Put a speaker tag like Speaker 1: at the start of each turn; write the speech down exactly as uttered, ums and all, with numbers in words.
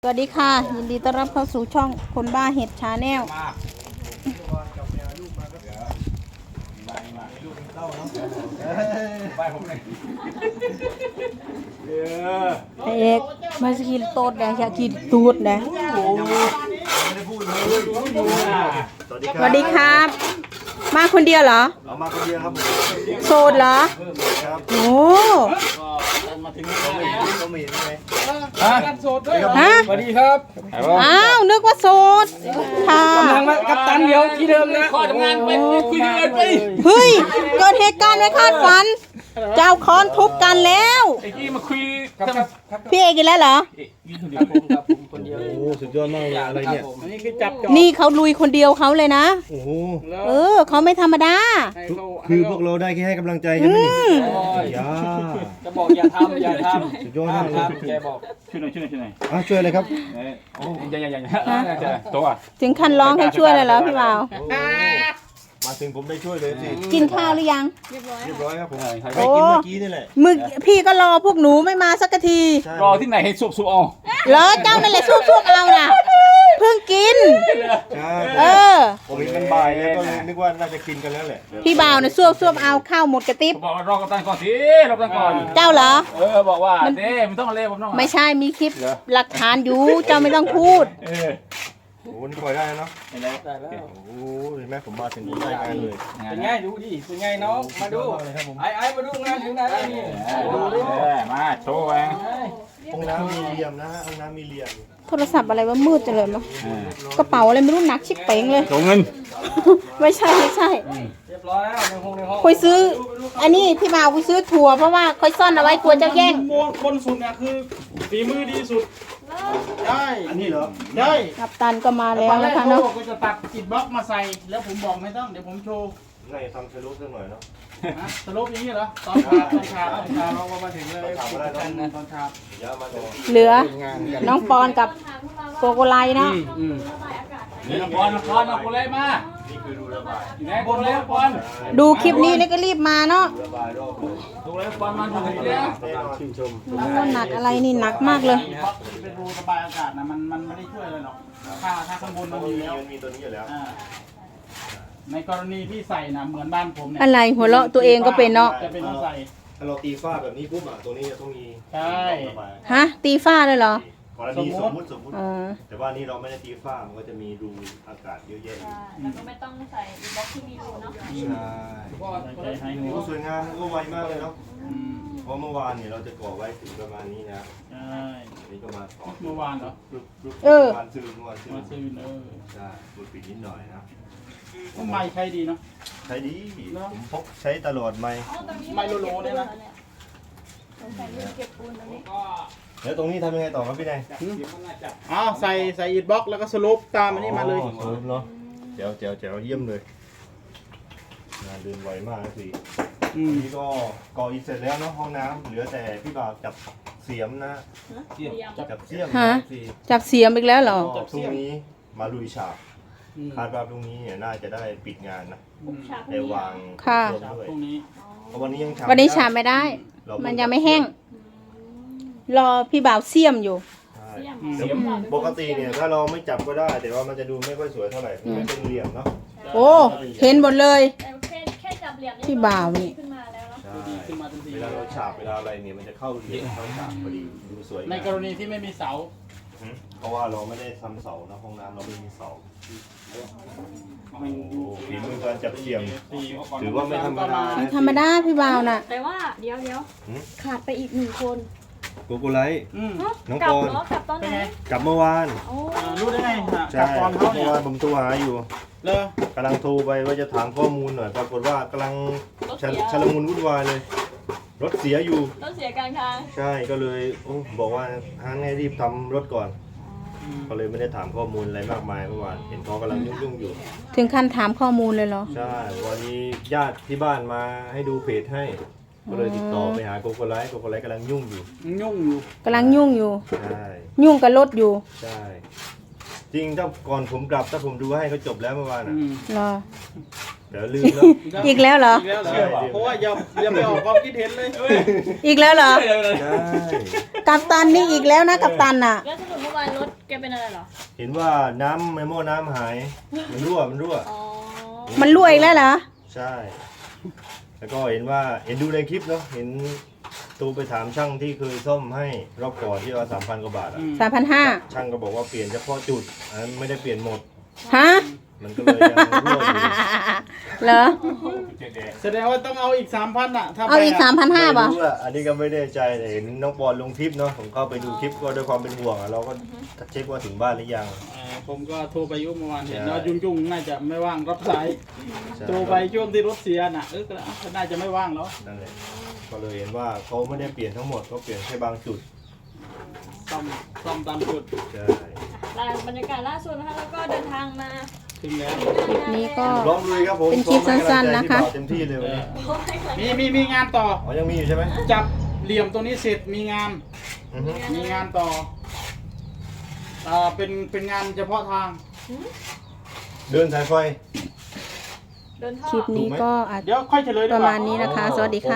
Speaker 1: สวัสดีค่ะยินดีต้อนรับเข้าสู่ช่องคนบ้าเห็ดชาแนลเอกมาสกิลโต๊ดนะอยากกินตูดนะสวัสดีครับมาคนเดียวเหรอ
Speaker 2: เอามาคนเดียวครับ
Speaker 1: โสดเหรอโอ้
Speaker 2: มาถึงแล้วก็มีใช่ไหม
Speaker 3: ฮะโสดด้วยฮะสวัสดีครับ
Speaker 1: อ้าวนึกว่าโสดค่ะ
Speaker 3: กำลังมากับตันเดียวที่เดิมนะขอทำงานไปคุยกันไป
Speaker 1: เฮ้ยเกิดเหตุการณ์ไม่คาดฝันเจ้าค้อนทุบกันแล้ว
Speaker 3: ไอ้กี้มาคุยกับ
Speaker 1: พี่เอกอีกแล้วเหรอ
Speaker 2: คนเดียวโอ้สุดยอดมากเลยอะไรเนี่ย
Speaker 3: นี่คือจับจอบ
Speaker 1: นี่เขาลุยคนเดียวเขาเลยนะ
Speaker 2: โอ้โห
Speaker 1: เออเขาไม่ธรรมดา
Speaker 2: คือพวกเราได้แค่ให้กำลังใจใช่ไหมนี่ย่า
Speaker 3: จะบอกอย่าทำอย่าทำ
Speaker 2: สุดยอดมากเลย
Speaker 3: แกบอกช่วยหน่อยช่วยหน่อยช่วยหน่อย
Speaker 2: อ่ะช่วยเลยครับ
Speaker 3: โอ้ยยังยังยังตัว
Speaker 1: ถึงขั้นร้องให้ช่วยเลยเหรอพี่บ่าว
Speaker 2: มาถึงผมได้ช่วยเลยสิ
Speaker 1: กินข้าวหรือยัง
Speaker 2: เรียบร้อยเรียบร้อยครับผมไปกินเมื่อกี้นี่แหละ
Speaker 1: มึงพี่ก็รอพวกหนูไม่มาสักที
Speaker 3: รอที่ไหนให้สุกสุกเอา
Speaker 1: เหรอเจ้านั่นแหละสุกๆเอาน่ะเพิ่งกินเออ
Speaker 2: ผมเห็นมันบ่ายแล้วก็เลยนึกว่าน่าจะกินกันแล้วแหละ
Speaker 1: พี่บ่าวน่ะซวบๆเอาข้าวหมดกระติบ
Speaker 3: บอกรอกับตันก่อนสิรอกับตันก่อน
Speaker 1: เจ้าเหรอ
Speaker 3: เออบอกว่าเด้มันต้องเล่ผมต้อง
Speaker 1: ไม่ใช่มีคลิปหลักฐานอยู่เจ้าไม่ต้องพูด
Speaker 2: เออโอ้นี่ปล่อยได้เนาะได้แล้วโอ้เห็นไหมผมมาถึงได้งานเลย
Speaker 3: เป็นไงดูดิเป็นไงน้องมาดูไอ้ไอ้มาดูงานถึงไหนแล้วนี่ดูดิมาโชว์ไป
Speaker 2: ห้องน้ำมีเหลี่ยมนะห้องน้ำมีเหลี่ยม
Speaker 1: โทรศัพท์อะไรวะมืดจังเลยมั้งกระเป๋าอะไรไม่รู้หนักชิบเป๋งเลย
Speaker 3: ส่งเงิน
Speaker 1: ไม่ใช่ไม่ใช่
Speaker 3: เรียบร้อยแล้วในห้องในห้อง
Speaker 1: คุยซื้ออันนี้พี่บ่าวคุยซื้อถั่วเพราะว่าคุยซ่อนเอาไว้กลัวเจ้าแย่ง
Speaker 3: บนสุดเนี่ยคือฝีมือดีสุด
Speaker 2: ได้อันนี้เหรอ
Speaker 3: ได้
Speaker 1: กัปตันก็มาแล้วนะคะเนาะ
Speaker 3: ก็จะตัดอิฐบล็อกมาใส่แล้วผมบอกไม่ต้องเดี๋ยวผมโชว์
Speaker 2: ไงทำสรุปสักหน่อยเนาะ
Speaker 3: สรุปอย่างนี้เหรอตอนเช้าตอนเช้าตอนเช้าเรามาถึงเลยตอนเช้า
Speaker 1: เหลือน้องปอนกับโกโกไลเนาะ
Speaker 3: น้องปอนน้องปอนน้องโกไลมานี่คือดูระบายไหนโกไลปอน
Speaker 1: ดูคลิปนี้แล้วก็รีบมาเนาะ
Speaker 3: โกไลปอนมาดูทีเดียว
Speaker 2: ชื่นชม
Speaker 1: หนักอะไรนี่หนักมากเลย
Speaker 3: เป็นรูระบายอากาศนะมันมันไม่ได้ช่วยเลยหรอกถ้าถ้าข้างบนมันมีแล้ว
Speaker 2: มีตัวนี้อยู่แล้ว
Speaker 3: ในกรณีที่ใส่นะเหมือนบ้านผมเนี่ย
Speaker 1: อะไรหัวเราะตัวเองก็เป็นเนาะ
Speaker 3: จะเป็นต้องใส่
Speaker 2: ถ้าเราตีฝ้าแบบนี้ปุ๊บอ่ะตัวนี้จะต้องมี
Speaker 3: ใช่
Speaker 1: ฮะตีฝ้าเลยเหรอก
Speaker 2: รณีสมมติสมมติแต่ว่านี่เราไม่ได้ตีฝ้ามันก็จะมีรูอากาศเยอะแยะ
Speaker 4: แล้วก็ไม่ต้องใส่บล็อกที่มีรูเนาะ
Speaker 2: ใช่สวยงามก็ไวมากเลยเนาะเพราะเมื่อวานเนี่ยเราจะก่อไว้ถึงประมาณนี้นะ
Speaker 3: ใช่
Speaker 2: นี่ก็มาต่อ
Speaker 3: เมื่อวานเหรอ
Speaker 1: เออ
Speaker 2: วันซื้อเมื่อวานซื้อ
Speaker 3: มาซื้อเออ
Speaker 2: ใช่บุดปิดนิดหน่อยนะ
Speaker 3: ไม้ใช้ดีเนาะ
Speaker 2: ใช้ดีผมพกใช้ตลอดไม้
Speaker 3: ไม้โลโลเนี่ยนะ
Speaker 4: ใส่ลูกเก็บปูนตรงนี้
Speaker 2: แล้วตรงนี้ทำยังไงต่อครับพี่นาย
Speaker 3: อ้าวใส่ใส่อิฐบล็อกแล้วก็สรุปตามอันนี้มาเลย
Speaker 2: สรุปเนาะเจ๋วเจ๋วเจ๋วเยี่ยมเลยงานเดินไวมากสินี่ก็ก่ออิฐเสร็จแล้วเนาะห้องน้ำเหลือแต่พี่บ่าวจับเสียมนะจับเสียม
Speaker 1: ฮะจับเสียมอีกแล้วเหรอ
Speaker 2: พรุ่งนี้มาลุยฉาบคาดว่าพรุ่งนี้เนี่ยน่าจะได้ปิดงานนะได้วาง
Speaker 1: ค่ะ
Speaker 3: พรุ่งนี้
Speaker 2: เพราะวันนี้ยังฉาบ
Speaker 1: วันนี้ฉาบไม่ได้มันยังไม่แห้งรอพี่บ่าวเสียมอยู่
Speaker 2: ปกติเนี่ยถ้าเราไม่จับก็ได้แต่ว่ามันจะดูไม่ค่อยสวยเท่าไหร่ไม่เป็นเหลี่ยมเนาะ
Speaker 1: โอ้เห็นหมดเลย
Speaker 4: แค่จับเหลี่ยม
Speaker 1: พี่บ่าวนี่
Speaker 4: ขึ้นมาแล้วเนาะ
Speaker 2: เวลาเราฉาบเวลาอะไรเนี่ยมันจะเข้าเหลี่ยมเข้าฉาบพอดีดูสวย
Speaker 3: ในกรณีที่ไม่มีเสา
Speaker 2: เพราะว่าเราไม่ได้ทำเสานะห้องน้ำเราไม่มีเสาฝีมือการจับเสียมถือว่าไม่ธรรมดา
Speaker 1: ไม่ธรรมดาพี่บ่าวน่ะ
Speaker 4: แต่ว่าเดี๋ยวเดี๋ยวขาดไปอีกหนึ่งคน
Speaker 2: โกโกไลท์น้องปอน
Speaker 4: กลับตอนไหน
Speaker 2: กลับเมื่อวาน
Speaker 3: รู้ได้ไง
Speaker 2: ใช่เมื่อวานผมโทรหาอยู่เลยกำลังโทรไปว่าจะถามข้อมูลหน่อยปรากฏว่ากำลังชลมุนวุ่นวายเลยรถเสียอยู่
Speaker 4: รถเสียกลางทาง
Speaker 2: ใช่ก็เลยบอกว่าให้รีบทำรถก่อนก็เลยไม่ได้ถามข้อมูลอะไรมากมายเมื่อวานเห็นเขากำลังยุ่งๆอยู่
Speaker 1: ถึงขั้นถามข้อมูลเลยเหรอ
Speaker 2: ใช่วันนี้ญาติที่บ้านมาให้ดูเพจให้ก็เลยติดต่อไปหาโกโกไลท์โกโกไลท์กำลังยุ่งอยู่
Speaker 3: ยุ่งอยู่
Speaker 1: กำลังยุ่งอยู่
Speaker 2: ใช่
Speaker 1: ยุ่งกับรถอยู่
Speaker 2: ใช่จริงถ้าก่อนผมกลับถ้าผมดูให้เขาจบแล้วเมื่อวานอ่ะ
Speaker 1: เหรอ
Speaker 2: เดี๋ยวลืมแล้ว
Speaker 1: อีกแล้วเหรอ
Speaker 5: อีกแล้วเหรอเพราะว่าอย่าอย่าไปออกความคิดเห็นเลย
Speaker 1: อีกแล้วเหรอ
Speaker 2: ใช่
Speaker 1: กัปตันนี่อีกแล้วนะกัปตันน่ะ
Speaker 4: แล้วสรุปเมื่อวานรถแกเป็นอะไรเหรอ
Speaker 2: เห็นว่าน้ำในหม้อน้ำหาย มันรั่วมันรั่ว
Speaker 4: อ๋อ
Speaker 1: มันรั่วอีกแล้วเหรอ
Speaker 2: ใช่ แล้วก็เห็นว่าเห็นดูในคลิปเนาะเห็นตูไปถามช่างที่เคยซ่อมให้รอบก่อนที่ว่าสามพันกว่าบาทอะ
Speaker 1: สามพันห้า
Speaker 2: ช่างก็บอกว่าเปลี่ยนเฉพาะจุดอันนั้นไม่ได้เปลี่ยนหมด
Speaker 1: ฮะ
Speaker 2: มันก็เลยยังรั่วอยู่
Speaker 1: เหรอ
Speaker 5: แสดงว่าต้องเอาอีกสามพันอ่ะถ้า
Speaker 1: เอาอีกสามพันห้า
Speaker 2: ไม่
Speaker 1: ป่ะ
Speaker 2: รู้อะอันนี้ก็ไม่แน่ใจแต่เห็นน้องบอลลงคลิปเนาะผมเข้าไปดูคลิปก็ด้วยความเป็นห่วงอะเราก็เช็คว่าถึงบ้านหรือยัง
Speaker 5: เอ่อผมก็โทรไปอยุ่เมื่อวานเห็น
Speaker 2: ใช่
Speaker 5: ว่ายุ่งๆน่าจะไม่ว่างรับสาย
Speaker 2: ใช่
Speaker 5: โทรไปช่วงที่รถเสียน่ะเออก็น่าจะไม่ว่างแล้ว
Speaker 2: นั่นแหละก็เลยเห็นว่าเขาไม่ได้เปลี่ยนทั้งหมดเขาเปลี่ยนแค่บางจุด
Speaker 5: ซ่อมซ่อมตามจุด
Speaker 2: ใช่
Speaker 4: ล่าบรรยากาศล่าสุดนะคะแล้วก็เดินทางมา
Speaker 5: ถึงแล้ว
Speaker 1: คลิปนี้ก็
Speaker 2: ลองลุยครับผม
Speaker 1: เป็นคลิปสั้นๆนะคะ
Speaker 2: เต็มที่เลยวันนี้
Speaker 5: มีมีมีงานต่อ
Speaker 2: อ๋อยังมีอยู่ใช่ไหม
Speaker 5: จับเหลี่ยมตัวนี้เสร็จมีงาน
Speaker 2: อือฮึ
Speaker 5: มีงานต่ออ่าเป็นเป็นงานเฉพาะทาง
Speaker 2: เดินสายไฟ
Speaker 4: เดินท่อ
Speaker 1: คลิปนี้ก็อาจ
Speaker 5: เดี๋ยวค่อยเฉลยดี
Speaker 1: ป
Speaker 5: ก
Speaker 1: ระ
Speaker 5: ว่า
Speaker 1: มาณนี้นะคะ สวัสดีค่ะ